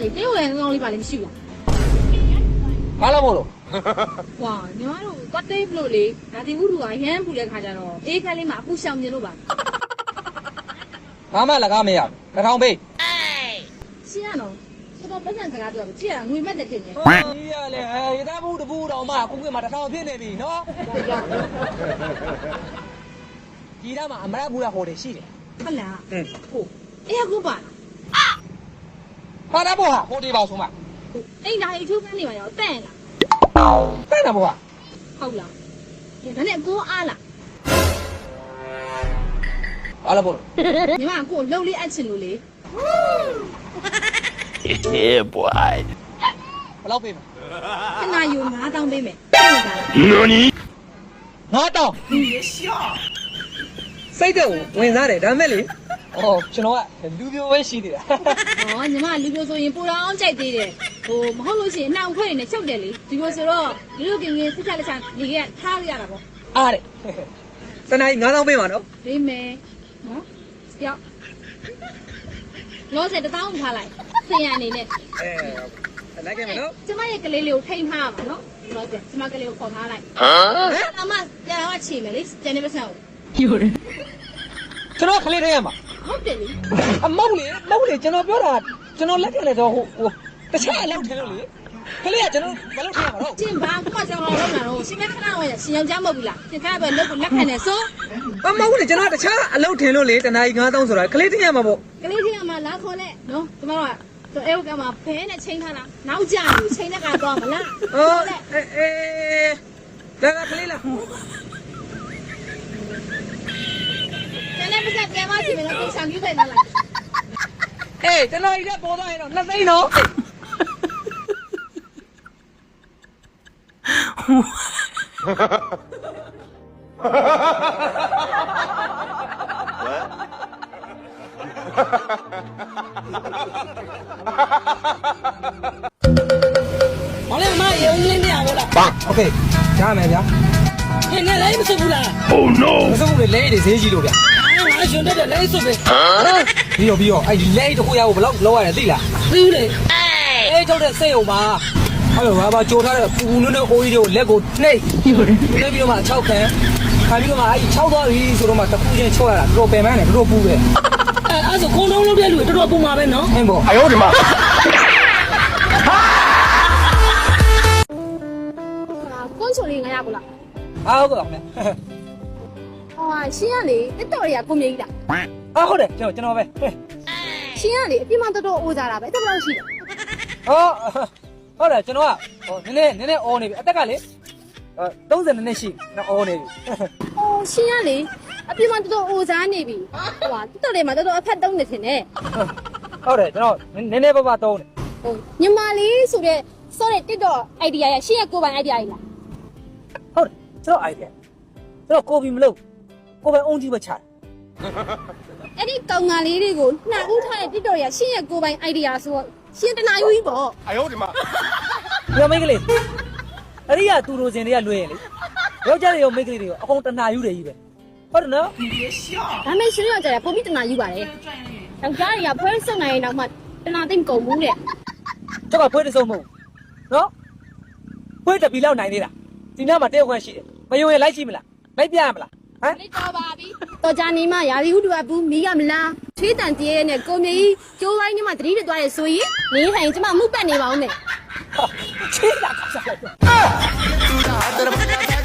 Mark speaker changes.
Speaker 1: လေတေးဝင်ကောင်းလေးပါလေမရှိဘူး
Speaker 2: ဘာလို့မို့လို့
Speaker 1: ။ဝါညီမတို့ကတေးဘလို့လေဒါတင်ဥထုကရမ်းပူတဲ့ခါကျတော့အေးခန်းလေးမှာအပူရှောင်မြင်လို့ပါ
Speaker 2: ဘာမှလကားမရဘူးတစ်ထောင်ပေး
Speaker 1: ။ရှင်းရတော့တော်ပတ်စံစကားပြောကြည့်ရငွေမဲ့တဲ့တင်နေ
Speaker 2: ကြီးရလေရသားဘူးတပူတော်မှအခုကမှတစ်ထောင်ဖြစ်နေပြီနော်ကြီးသားမှာအမရဘူးလားဟိုတယ်ရှိတယ်
Speaker 1: ။ဟုတ်လား။ဟုတ်။အေးကူပါ
Speaker 2: ဟာတာဘောဟာဟိုတယ်ပါဆိုမှ
Speaker 1: ။အိမ်သားအိတ်ချိုးကန်းနေပါရောတဲ့လား
Speaker 2: တဲ့တာဘောဟာ
Speaker 1: ။ဟုတ်လား။ဒါနဲ့ကိုအားလား
Speaker 2: ဘာလို့မို့လို့
Speaker 1: ။ညီမကိုလှုပ်လေးအပ်ချင်လို့လေ
Speaker 3: Yeah, boy.
Speaker 2: ဘယ်လောက်ပေးမလဲ
Speaker 1: ။ခဏယူ9000ပေးမယ်။ဟုတ်လား
Speaker 3: Nani?
Speaker 2: ငါတောင်းစိတ်တဲ့ဝင်စားတယ်ဒါမဲ့လေဩကျွန်တော်ကလူပြိုပဲရှိနေတာ
Speaker 1: ။ဟောညီမလူပြိုဆိုရင်ပူတော်အောင်ကြိုက်သေးတယ်။ဟိုမဟုတ်လို့ရှိရင်နှောင်ခွဲနေနဲ့ချုပ်တယ်လေ။ဒီလိုဆိုတော့လူလူကင်းကင်းစစ်ချက်လက်ချနေခဲ့ထားရတာပေါ့
Speaker 2: အားတဲ့တနားကြီး9000ပေးပါနော်
Speaker 1: ။ပေးမယ်။နော်။ကြောက်။လောဆယ်1000ထားလိုက်။စင်ရအနေနဲ့
Speaker 2: လိုက်ခဲ့မယ်နော်
Speaker 1: ကျမရဲ့ကလေးလေးကိုထိန်းထားပါနော်။လောဆယ်ကျမကလေးကိုခေါ်ထားလိုက်
Speaker 3: Huh?
Speaker 1: ။အမပြန်တော့ချေမယ်လေ။ကျန်နေပါစမ်း
Speaker 2: ကျွန်တော်ခလေးတည်းရမှာ
Speaker 1: ။ဟုတ်တယ်လေ
Speaker 2: အမောက်လေကျွန်တော်ပြောတာကျွန်တော်လက်ခံတယ်ဆိုဟိုတခြားအလုပ်ထင်လို့လေခလေးကကျွန်တော်မလုပ်ထင်ရမှာတော့
Speaker 1: ။ကျင်ဘာကကြောင်တော်လုံးလာတော့ရှင်မခဏဝင်ရှင်ယောက်ျားမဟုတ်ဘူးလား။ရှင်ခါပဲလက်ကိုလက်ခံနေဆို
Speaker 2: အမောက်လေကျွန်တော်တခြားအလုပ်ထင်လို့လေတနားကြီး9000ဆိုတာခလေးတည်းရမှာပေါ့
Speaker 1: ကလေးချင်းကမှလာခေါ်နဲ့နော်။ကျမတို့ကအဲကမှဘဲနဲ့ချိန်ထားတာ။နောက်ကြပြီချိန်တဲ့ကတော့မလား။
Speaker 2: ဟောဒါကခလေးလား
Speaker 1: ကျန်တဲ့ပတ်သက်ပြန်မစီမယ်လို့သိဆောင်ယူခဲ့လာလိုက်
Speaker 2: အေးကျွန်တော်ကြီးကပေါ်သွားရင်တော့2သိန်းနော်
Speaker 4: 好嘞，妈，有你俩我了，
Speaker 2: โอเคရမယ်ဗျာ
Speaker 4: 你来不是不啦？
Speaker 3: Oh no!
Speaker 2: မစုံလေလဲတွေဈေးကြီးလို့ဗျာ
Speaker 4: 俺兄弟的来是呗，
Speaker 2: ပြီးတော့အဲ့ဒီလဲတခုရဖို့ဘယ်လောက်လောက်ရတယ်သိလား
Speaker 4: 对不对？
Speaker 2: အေးကြောက်တဲ့စိတ်ုံမှာအဲ့လိုဘာကြိုထားတဲ့ပူပူနုံနုံအိုးကြီးတွေကိုလက်ကိုနှိပ်နှိပ်ပြီးတော့မှ6ခံခါပြီးတော့မှအဲ့6သွားပြီဆိုတော့မှတစ်ခုချင်းချော့ရတာတော်ပယ်မန်းတယ်တော်ပူပဲ
Speaker 4: 哎，俺是广东路的路，这多不麻烦喏。
Speaker 2: ဟင်းပေါ့
Speaker 3: 哎呦我的妈！
Speaker 1: ကွန်ချိုလေး900ဘူးလား
Speaker 2: အားဟုတ်ကဲ့ခင်ဗျ
Speaker 1: ဟောရှင်ကလေတက်တော်တွေကကိုမြေကြီးလား
Speaker 2: အားဟုတ်တယ်ကျွန်တော်ပဲ
Speaker 1: ရှင်ကလေအပြစ်မှတော်တော်အိုးကြတာပဲတက်တော့ရှိတယ်
Speaker 2: ဟောဟုတ်တယ်ကျွန်တော်ကဟိုနည်းနည်းအော်နေပြီအသက်ကလေ30နှစ်ရှိနော်အော်နေပြီ
Speaker 1: ဟောရှင်ကလေအပြစ်မှတော်တော်အိုးစားနေပြီဟိုတက်တော်တွေမှာတော်တော်အဖက်တုံးနေတင်တယ်
Speaker 2: ဟုတ်တယ်ကျွန်တော်နည်းနည်းပါးပါတုံးတယ်
Speaker 1: ဟိုညီမလေးဆိုတဲ့စောတဲ့တက်တော် idea ရရှင်ရဲ့ကိုယ်ပိုင် idea ကြီးလား
Speaker 2: ဟုတ်တယ်ကျွန်တော် idea ကျွန်တော်ကိုယ်ပြီးမလုပ်ကိုယ်ပဲအုံးကြီးပဲချတယ်
Speaker 1: အဲ့ဒီကောင်ငါလေးတွေကိုနှာဦးထားတဲ့တက်တော်ရရှင်ရဲ့ကိုယ်ပိုင် idea ဆိုတော့ရှင်တနာယူကြီးပေါ့
Speaker 3: 哎呦我的妈！
Speaker 2: ညမိတ်ကလေးအဲ့ဒီကသူတို့စင်တွေကလွှဲရင်လေယောက်ျားတွေရောမိန်းကလေးတွေရောအကုန်တနာယူတယ်ကြီးပဲဟုတ်တယ်နော်
Speaker 1: ဒါမဲ့ရှင်ရောကြတယ်ပုံပြီးတနာယူပါတယ်ယောက်ျားတွေကဖွဲစုံနိုင်ရင်တော့မှတနာသိမ့်ကုန်ဘူးတဲ့
Speaker 2: ကျောက်ကဖွဲတစုံမဟုတ်နော်ဖွဲတပီလောက်နိုင်သေးတာဒီညမှာတဲခွန်းရှိတယ်မယုံရင်လိုက်ကြည့်မလားလိုက်ပြရမလားဟမ်
Speaker 1: လေးတော်ပါပြီတော်ကြနေမှရာသီဥတုကဘူးမီးကမလားချွေးတန်တည်းရဲ့နဲ့ကိုမြေကြီးကျိုးပိုင်းညမှာတတိတက်သွားတယ်ဆိုရင်နေထိုင်ကျမမှုပတ်နေပါဦးမယ်
Speaker 2: ချေးတာခါစားလိုက်